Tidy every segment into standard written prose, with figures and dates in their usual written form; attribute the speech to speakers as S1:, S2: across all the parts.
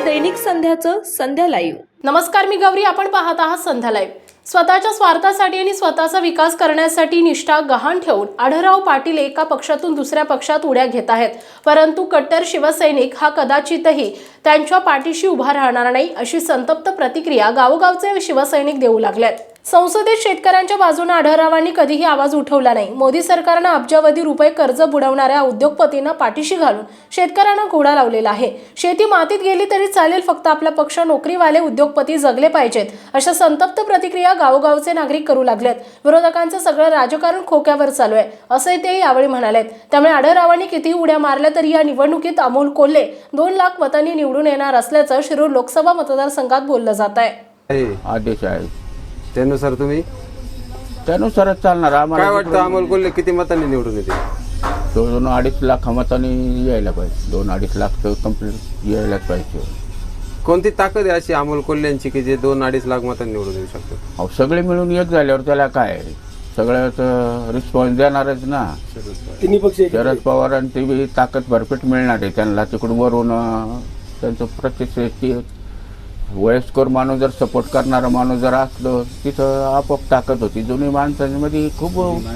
S1: दैनिक संध्याचं संध्या लाईव्ह.
S2: नमस्कार, मी गौरी. आपण पाहत आहात संध्या लाईव्ह. स्वतःच्या स्वार्थासाठी आणि स्वतःचा विकास करण्यासाठी निष्ठा गहाण ठेवून आढळराव पाटील एका पक्षातून दुसऱ्या पक्षात उड्या घेत आहेत. परंतु कट्टर शिवसैनिक हा कदाचितही त्यांच्या पाठीशी उभा राहणार नाही, अशी संतप्त प्रतिक्रिया गावोगावचे शिवसैनिक देऊ लागलेत. संसदेत शेतकऱ्यांच्या बाजूने आढळरावांनी कधीही आवाज उठवला नाही. मोदी सरकारनं अब्जावधी रुपये कर्ज बुडवणाऱ्या उद्योगपतींना पाठीशी घालून शेतकऱ्यांना घोडा लावलेला आहे. शेती मातीत गेली तरी चालेल, फक्त आपला पक्ष नोकरीवाले उद्योगपती जगले पाहिजेत, अशा संतप्त प्रतिक्रिया गावोगावचे नागरिक करू लागलेत. विरोधकांचं सगळं राजकारण खोक्यावर चालू आहे, असे ते यावेळी म्हणालेत. त्यामुळे आढळरावांनी कितीही उड्या मारल्या तरी या निवडणुकीत अमोल कोल्हे 2 लाख मतांनी निवडून येणार असल्याचं शिरूर लोकसभा मतदारसंघात बोललं जात आहे.
S3: आदेश आहे
S4: त्यानुसार तुम्ही
S3: त्यानुसारच चालणार. आम्हाला
S4: काय वाटतं अमोल कोल्हे किती मतांनी निवडून येते?
S3: 2-2.5 लाख मतांनी यायला पाहिजे. 2-2.5 लाख तर कम्प्लीट यायलाच पाहिजे.
S4: कोणती ताकद आहे अशी अमोल कोल्ह्यांची की जे 2-2.5 लाख मतांनी निवडून येऊ शकतो?
S3: अहो, सगळे मिळून एक झाल्यावर त्याला काय सगळ्यात रिस्पॉन्स देणारच ना.
S5: तिन्ही पक्ष
S3: शरद पवारांची बी ताकद भरपेट मिळणार आहे त्यांना. तिकडून वरून त्यांचं प्रत्यक्ष वयस्कर माणूस जर सपोर्ट करणारा माणूस जर असलो तिथं आपोआप ताकद होती. जुनी माणसांमध्ये खूप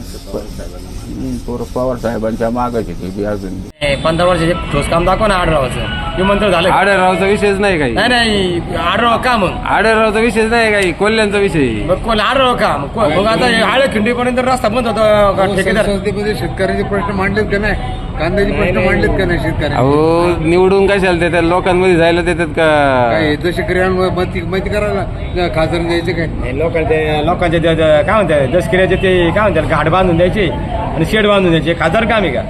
S3: पवार साहेबांच्या मागच होती बी. अजून
S6: 15 वर्षाचे ठोस काम दाखवा ना आढळरावाचं. विमानतळ झालं.
S4: आढळरावचा विषयच नाही काही.
S6: नाही आढळराव का मग?
S4: आढळरावचा विषयच नाही काही, कोल्ह्यांचा विषय.
S6: मग कोण आढळराव का? मग आता आळे खिंडीपर्यंत रस्ता बंद होता. ठेकेदार
S5: संसदेमध्ये शेतकऱ्याचे प्रश्न मांडलेत का नाही? कांद्याचे प्रश्न मांडलेत का नाही शेतकऱ्यांनी?
S4: अहो, निवडून कशाला देतात? लोकांमध्ये जायला देतात का?
S5: काय जसे क्रियांवर माहिती करायला खासदार द्यायचे काय?
S6: लोकांचे काय म्हणतात दसकिऱ्याचे ते काय म्हणतात घाट बांधून द्यायचे आणि शेड बांधून द्यायचे. खासदार काम आहे का?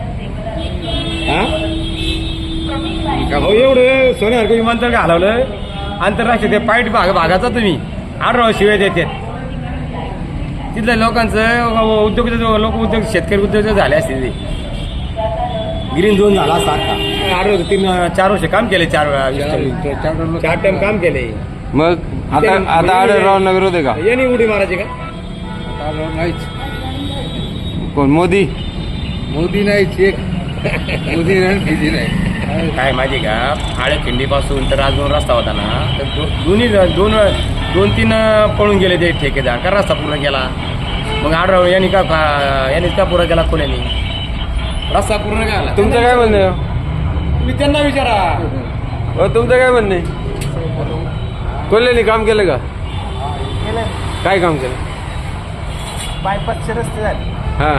S6: एवढं सोन्यासारखं विमानतळ का हलवलं आंतरराष्ट्रीय ते पाईट भागाचा तुम्ही आढळराव शिवाय देतात. तिथल्या लोकांचं उद्योग शेतकरी उद्योग झाले असतील. ते ग्रीन झोन झाला असता. आढळराव 3-4 वर्ष काम केले. 4 टाइम काम केले.
S4: मग आता आढळरावांना विरोध आहे का?
S6: यांनी उडी मारायची का?
S5: नाहीच.
S4: कोण? मोदी
S5: नाहीच. एक मोदी नाही.
S6: काय माहिती का, आळे खिंडीपासून तर आज 2 रस्ता होता ना, तर दोन्ही 2-3 पळून गेले ते ठेकेदार. का रस्ता पूर्ण केला? मग आढळराव यांनी का पूर्ण केला? कोल्यानी रस्ता पूर्ण केला?
S4: तुमचं काय म्हणणं आहे?
S6: तुम्ही त्यांना विचारा.
S4: तुमचं काय म्हणणं आहे? कोल्ह्यांनी काम केलं का? काय काम केलं?
S7: बायपासचे रस्ते झाले.
S4: हा,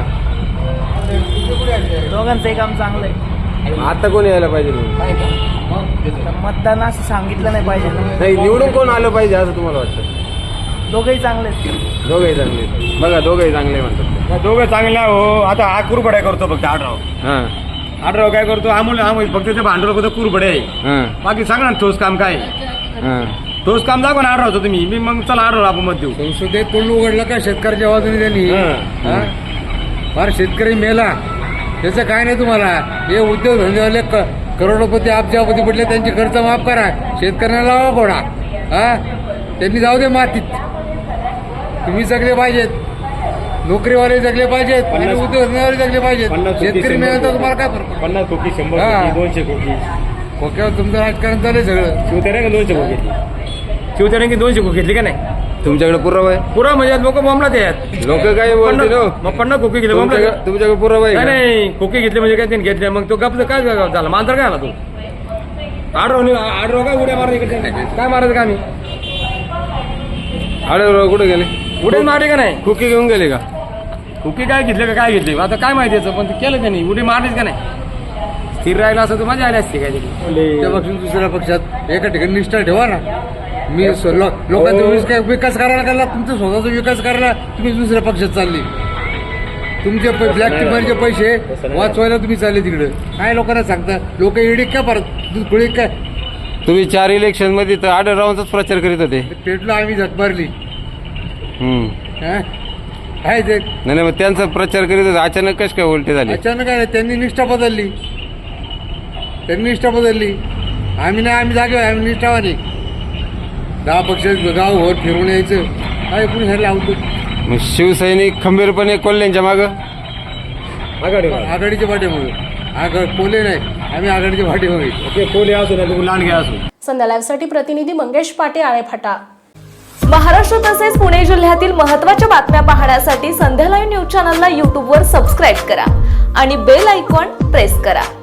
S7: दोघांचंही काम चांगलं आहे.
S4: आता कोण यायला पाहिजे?
S7: मतदान असं सांगितलं नाही पाहिजे.
S4: नाही, निवडून कोण आलं पाहिजे असं तुम्हाला वाटतं?
S7: दोघंही चांगले आहेत.
S4: दोघंही चांगले. बघा, दोघंही चांगले म्हणतात.
S6: दोघं चांगले हो. आता हा कुरबड्या करतो फक्त आढळराव.
S4: हा,
S6: आढळराव काय करतो? अमोल फक्त ते भांडवल फक्त कुरबडे आहे.
S4: हा,
S6: बाकी सांगा ना ठोस काम काय?
S4: हा.
S6: ठोस काम दाखवा ना आढळरावचं तुम्ही. मी मग चला आढळराव आपण मत देऊ.
S5: संसदेत तोंड उघडलं का शेतकऱ्याच्या बाजूने त्यांनी? फार शेतकरी मेला त्याचं काय नाही तुम्हाला. हे उद्योग धंदेवाले करोडोपती अब्जापती पडले, त्यांचे खर्च माफ करा. शेतकऱ्यांना लावा घोडा. त्यांनी जाऊ दे मातीत. तुम्ही जगले पाहिजेत, नोकरीवाले जगले पाहिजेत आणि उद्योग धंदेवाले जगले पाहिजेत. शेतकरी मिळाला तर तुम्हाला काय फरक?
S6: 50 कोटी 100 कोटी 200 कोटी
S5: खोक्यावर तुमचं राजकारण चालू सगळं.
S6: शिवतेऱ्या का 200 कोटी घेतली? शिवतेऱ्यांनी 200 कोटी घेतली का नाही?
S4: तुमच्याकडे पुरावा आहे?
S6: पुरा म्हणजे लोक बॉम्बला येतात.
S4: लोक काय बोलते?
S6: मग 50 खोके घेतले बॉम्बला.
S4: तुमच्याकडे पुरावा आहे?
S6: नाही, खोके घेतले म्हणजे काय त्यांनी घेतले. मग तो गप्प काय झाला? मांजर काय आला तू? आढळराव काय उड्या मारत इकडे? काय मारायचं का? आम्ही
S4: आढळराव कुठे गेले?
S6: उड्या मारले का नाही?
S4: खोकी घेऊन गेले का?
S6: खोके काय घेतले का काय घेतले आता काय माहिती याचं. पण ते केलं त्यांनी. उडी मारलीच का नाही? स्थिर राहिला असं तर मजा आली असते काय तरी.
S5: त्यापासून दुसऱ्या पक्षात एका ठिकाणी निष्ठा ठेवा ना. मी लोकांचा विकास करायला गेला, तुमचा स्वतःचा विकास करायला तुम्ही दुसऱ्या पक्षात चालले. तुमचे ब्लॅक टिपरचे पैसे वाचवायला तुम्ही चालले तिकडे. काय लोकांना सांगता? लोक इडी काय परत खुळी काय?
S4: तुम्ही 4 इलेक्शन मध्ये तर आढळरावांचाच प्रचार करीत होते.
S5: पेटलो आम्ही झट मारली. काय ते
S4: नाही, मग त्यांचा प्रचार करीत होते. अचानक कश काय उलटे झाले?
S5: अचानक काय? त्यांनी निष्ठा बदलली. आम्ही नाही, आम्ही जागे. आम्ही निष्ठावानी 10 पक्ष गावभर फिरून यायचं. काय कोणी हे लावतो?
S4: मग शिवसैनिक खंबीरपणे कोल्ह्यांच्या मागं
S5: आघाडीच्या पाठीमागे. कोले नाही, आम्ही आघाडीच्या पाठीमागे.
S6: कोले असू ना लांडगे असू.
S2: संध्या लाईव्हसाठी प्रतिनिधी मंगेश पाटे, आळेफाटा.
S1: महाराष्ट्र तसेच पुणे जिल्ह्यातील महत्त्वाच्या बातम्या पाहण्यासाठी संध्या लाईव्ह न्यूज चॅनलला यूट्यूबवर सबस्क्राईब करा आणि बेल आयकॉन प्रेस करा.